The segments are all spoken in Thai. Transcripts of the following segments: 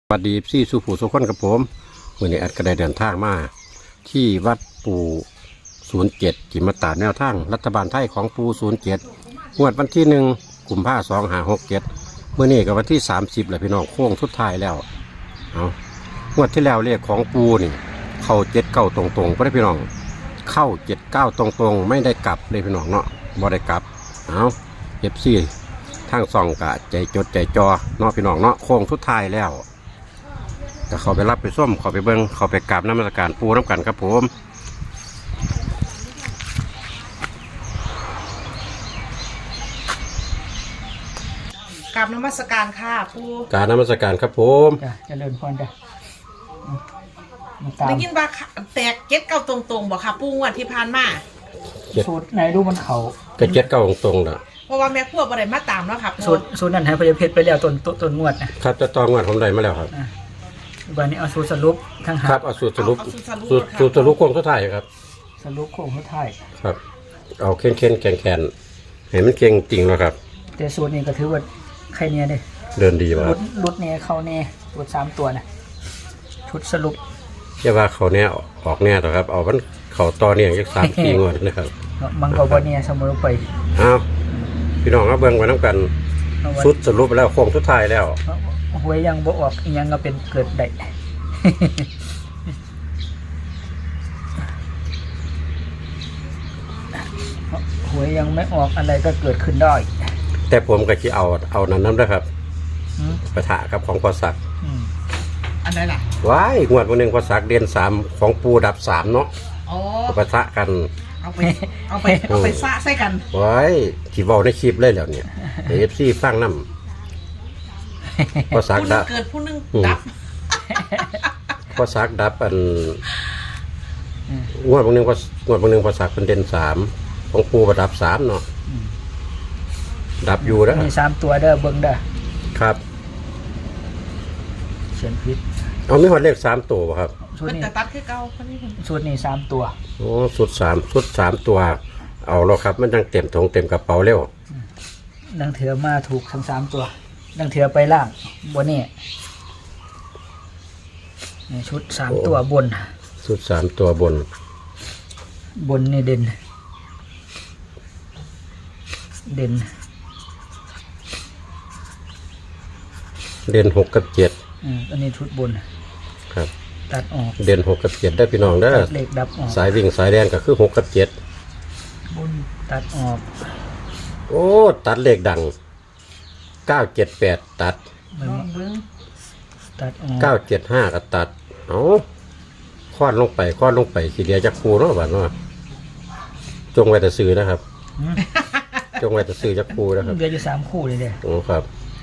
สวัสดีพี่สุภูสุขคนกับผมเมื่อนี้แอดก็ได้เดินทางมาที่วัดปู่07จิมตาแนวทางรัฐบาลไทยของปู่07งวดวันที่1 กุมภาพันธ์2567เมื่อนี้กับวันที่30แล้วพี่น้องโค้งสุดท้ายแล้วเอางวดที่แล้วเลขของปู่นี่เข้า79ตรงๆไม่ได้พี่น้องเข้า79ตรงๆไม่ได้กลับเลยพี่น้องเนาะบ่ได้กลับเอาFCทางส่องกะใจจดใจจอเนาะพี่น้องเนาะโค้งสุดท้ายแล้วก็เขาไปรับไปส้มเขาไปเบิ้งเขาไปกราบน้ำมันการปูน้ำกันครับผมกราบนมัสการค่ะปูการน้ำมันการครับผมจ้ะเจริญพรจ้ะได้ยินว่าแตกเก็ตเก่าตรงๆบอกค่ะปูงวดที่ผ่านมาสูตรไหนรู้มันเขากระเจ็ดเก้าตรงๆนะเพราะว่าแม่ครัวบ่ได้มาตามเนาะค่ะปูสูตรนั้นให้พยาเพชรไปแล้วต้นงวดนะครับจะตองวดผมได้มาแล้วครับวันนี้เอาสูตรสรุปทั้งหาครับเอาสูตรสรุปสูตรสรุปโค้งสุดท้ายครับสรุปโค้งสุดท้ายครับเอาเค้นแข็งเห็นมันเก่งจริงแล้วครับแต่สูตรนี้ก็ถือว่าใครเนี่ยเดินดีมากรุดเนี่ยเขาเนี่ยสูตร3ตัวนะชุดสรุปอย่าว่าเขาเนี่ยออกเนี่ยหรอครับเอามันเขาต่อเนี่ยยัก3-4 งวดนะครับมังกรวันเนี่ยเสมอไปอ้าวพี่น้องครับเบิ่งไว้น้ำกันชุดสรุปแล้วโค้งสุดท้ายแล้วหวยยังบ่ออกยังก็เป็นเกิดได้หวยยังไม่ออกอะไรก็เกิดขึ้นได้แต่ผมก็จะเอานั้นด้วยครับปะทะกับของพอสักอันไหนล่ะว้ายงวดวันหนึ่งพอสักเดือน3ของปูดับ3เนาะปะทะกันเอาไปซะใส่กันว้ายที่เว้าในคลิปเลยแล้วเนี่ยFC ฟังนำพอสักดับเกิดผู้นึงดับพอสักดับอันงวดวันหนึ่งพอสักเป็นเดือน3ของปูประดับ3เนาะดับอยู่แล้วมี3ตัวเด้อเบิ่งเด้อครับเขียนผิดเอาไม่หอดเลข3ตัวครับมันจะตัดคือเก่าคนนี้ชุดนี้3ตัวโอ้ชุด3ตัวเอาแล้วครับมันยังเต็มถุงเต็มกระเป๋าเร็วดังเถือมาถูกทั้ง3ตัวดังเถือไปล่างบนนี่ชุด3ตัวบนชุด3ตัวบนนี่เด่น 6กับ7 อันนี้ชุดบนครับตัดออกเด่น6กับ7ได้พี่น้องได้เลขดับออกสายวิ่งสายแดงก็คือ6กับ7 บนตัดออกโอ้ตัดเลขดัง978ตัดตัดออก 975ก็ตัดเอาคอดลงไปสีเดียจักคูเนาะบ้านเนาะจงไว้แต่ซื้อนะครับจงไว้แต่ซื้อจักคูนะครับเดืออยู่3คู่เลยเด้อโอ้ครับ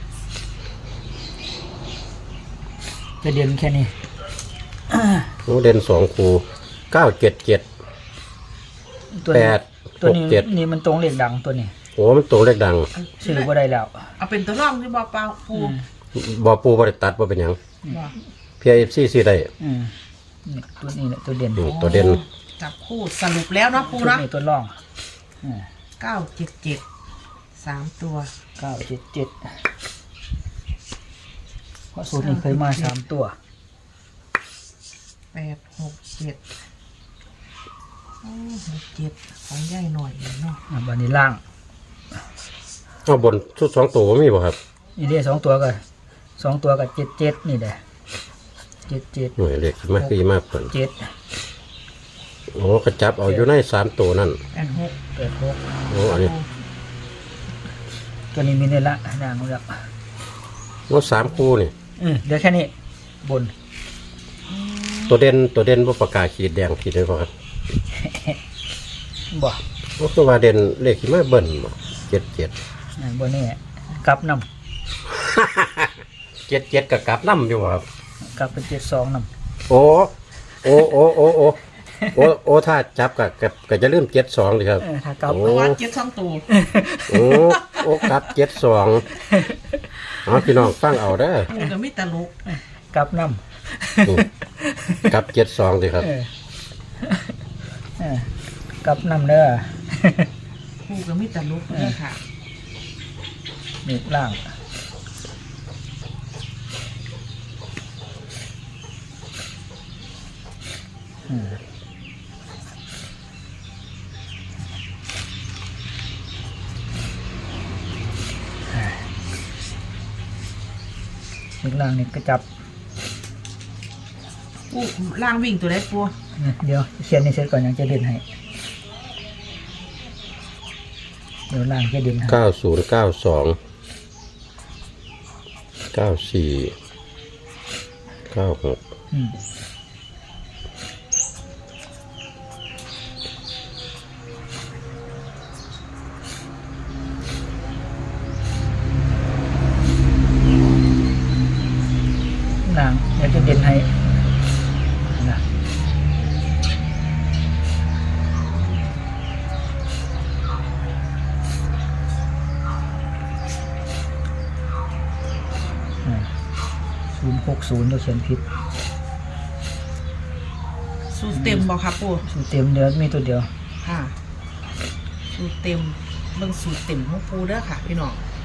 จะเด่นแค่นี้โอ้เด่น2คู่977 8 ตัวนี้มันตรงเลขดังตัวนี้โอ้มันตัวเลขดังซื้อบ่ได้แล้วเอาเป็นตัวร่องที่บ่เปล่าปูบ่ปูบ่ได้ตัดบ่เป็นหยังเพีย FC ซื้อได้ตัวนี้แหละตัวเด่นตัวเด่นจับคู่สรุปแล้วเนาะปูเนาะตัวร่อง 977 3ตัว 977เพราะสูตรนี้เคยมา3ตัว 8677ของใหญ่หน่อยเนาะบันนี้ล่างเอาบนชุด2ตัวมีบ่ครับนี่เรียก2ตัวกัน2ตัวกับ77นี่แหละ77 หน่วยเล็กมากคือมากเพิ่น7โอ้กระจับเอาอยู่ใน3ตัวนั่น 86 โอ้อันนี้ตัวนี้มีในละด่างแล้วโอ้3คู่นี่เดี๋ยวแค่นี้บนตัวเด่นบ่ประกาศขีดแดงขีดได้บ่ครับบ่ก็คือว่าเด่นเลขที่มาเบิ่นบ่77 บ่นี่กลับนำ77กับกลับนำอยู่ครับกลับเป็น72นำโอ้ถ้าจับก็จะลืม72เลยครับถ้ากลับว่า72ตัวโอ้กลับ72เอาพี่น้องฟังเอาเด้อก็มีตลกกลับนำกลับ72สิครับกลับนำเด้อคู่ก็มีตลกนี่ค่ะนี่ล่างอีกล่างนี่ก็จับปูล่างวิ่งตัวไหนปูเดี๋ยวเขียนในเสร็จก่อนยังจะเด่นให้เดี๋ยวล่างจะเด่นให้ 9092 94 96 ล่างเดี๋ยวจะเด่นให้นะ060เราเขียนผิดสูตรเต็มบ่ค่ะปูสูตรเต็มเดี๋ยวมีตัวเดียวค่ะสูตรเต็มเบิ่งสูตรเต็มของปูเด้อค่ะพี่น้อง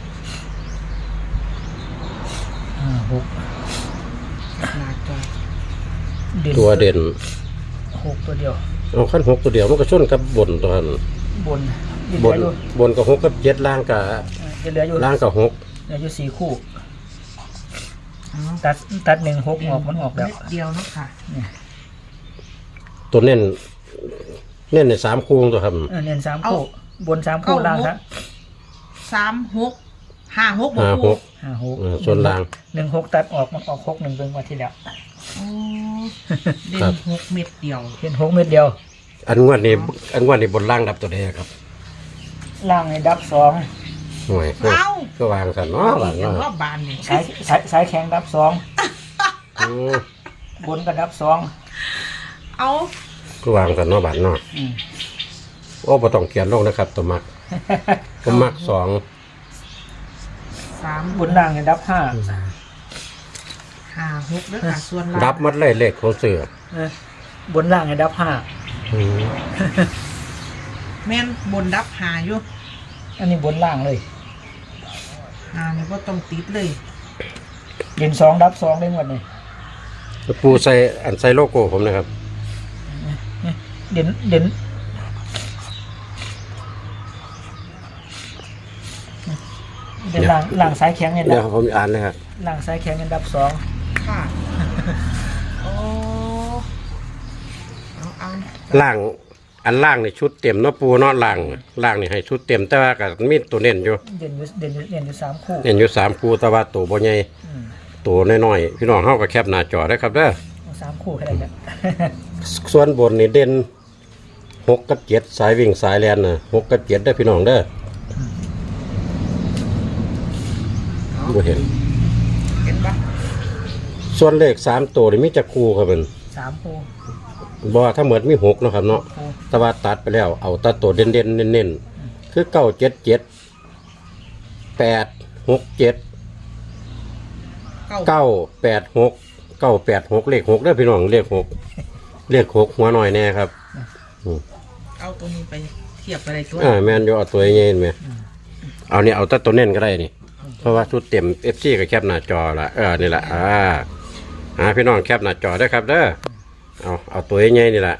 6 หน้าจอตัวเด่น 6ตัวเดียวเอาขั้น6ตัวเดียวมันก็ชนกับบนตัวนั้นบนบนบนกับ6กับ7ล่างกับจะเหลืออยู่ล่างกับ6 เหลืออยู่4คู่อ๋อตัด1 6ออกมันออกแล้วเม็ดเดียวเนาะค่ะตัวเน้นใน3คู่ตัวครับเน้น3คู่บน3คู่ล่างครับ 36 56บ่ปูส่วนล่าง 16ตัดออกมันออก6 1เป็นวันที่แล้วโอ้เด่ครันบ 6 เม็ดเดียวเห็น6 เม็ดเดียวอันงวดนี้บนล่างดับตัวใดครับล่างในดับหน่วยเอ้าก็วางสันเนาะวางอย่างเนาะรอบบานนี่ 2สายแข็งดับอืม 2บนก็ดับเอาก็วางสันเนาะบาดเนาะ 2 โอ้บ่ต้องเขียนลงนะครับ ตัวมักผมมัก2 3 บนล่างในดับ 5 6เด้อค่ะส่วนล่างดับหมัดเลยเลขของเสือ 5บนล่างในดับอืมแม่นบนดับหาอยู่ 5อันนี้บนล่างเลยหานี่บ่ต้องติดเลยเด่น2ดับ2ได้หมดเลยปูใส่โลโก้ผมนะครับเด่นล่างสายแข็งในเดี๋ดัยวบผมอ่านเลยครับล่างสายแข็งในดับค่ะโอ้เอาล่างอันล่างนี่ชุดเต็มเนาะปูเนาะล่างนี่ให้ชุดเต็มแต่ว่าก็มีตัวเน้นอยู่ 2เด่นอยู่3คู่เน้นอยู่3คู่แต่ว่าตัวบ่ใหญ่ตัวน้อยๆพี่น้องเฮาก็แคปหน้าจอได้ครับเด้อ 3คู่ให้ได้แล้วส่วนบนนี่เด่น6กับ7สายวิ่งสายแล่นน่ะ6กับ7ได้อพี่น้องเด้อบ่เห็นเห็นปะส่วนเลข3ตัวนี่มีจักคู่ครับมัน 3คู่บ่ถ้าเหมือนมี6เนาะครับเนาะแต่ว่าตัดไปแล้วเอาแต่ตัวเด่นๆเน้นๆคือ977 867 เก้า 986เลข6เด้อพี่น้องเลข6หัวหน่อยแน่ครับเอาตัวนี้ไปเทียบไปเลยตัวแม่นอยู่เอาตัวใหญ่ๆแม่เอานี่เอาแต่ตัวเน้นก็ได้นี่เพราะว่าชุดเต็ม FC ก็แคปหน้าจอละนี่ล่ะพี่น้องแคปหน้าจอได้อครับเด้อเอาตัวใหญ่ๆนี่ล่ะ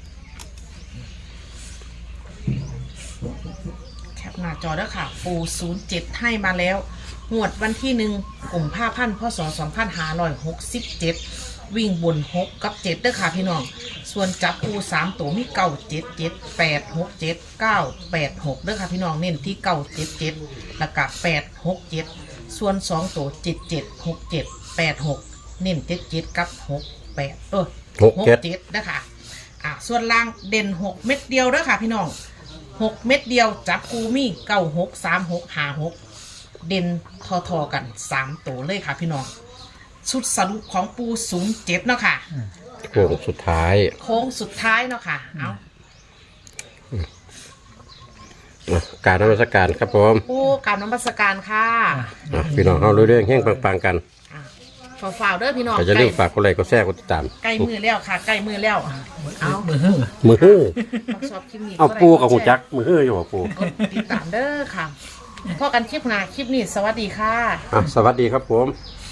แคปหน้าจอแล้วค่ะปู07ให้มาแล้วงวดวันที่1กลุ่ม5,000พศ2567วิ่งบน6กับ7เด้อค่ะพี่น้องส่วนจับปู3ตัวมี977 867 986เด้อค่ะพี่น้องเน้นที่977แล้วก็867ส่วน2ตัว7767 86เน้น77กับ6867นะคะส่วนล่างเด่น6เม็ดเดียวเด้อค่ะพี่น้อง6เม็ดเดียวจับคูมี่96 36 56เด่นทอกัน3ตัวเลยค่ะพี่น้องชุดสรุปของปู07เนาะค่ะโค้งสุดท้ายโค้งสุดท้ายเนาะค่ะเอาการนมัสการครับผมปูกราบนมัสการค่ะพี่น้องเฮาเรื่อยๆแห้งปังๆกันฝ่าวๆเด้อพี่น้องก็จะเรื่องฝากคนไรก็แทรกกดติดตามใกล้มือแล้วค่ะใกล้มือแล้วเอามือฮื้อมือฮื้อชอบคลิปนี้เอาปูกับหูจักมือฮื้ออยู่บ่ปูกดติดตามเด้อค่ะพอกันคลิปหน้าคลิปนี้สวัสดีค่ะสวัสดีครับผมค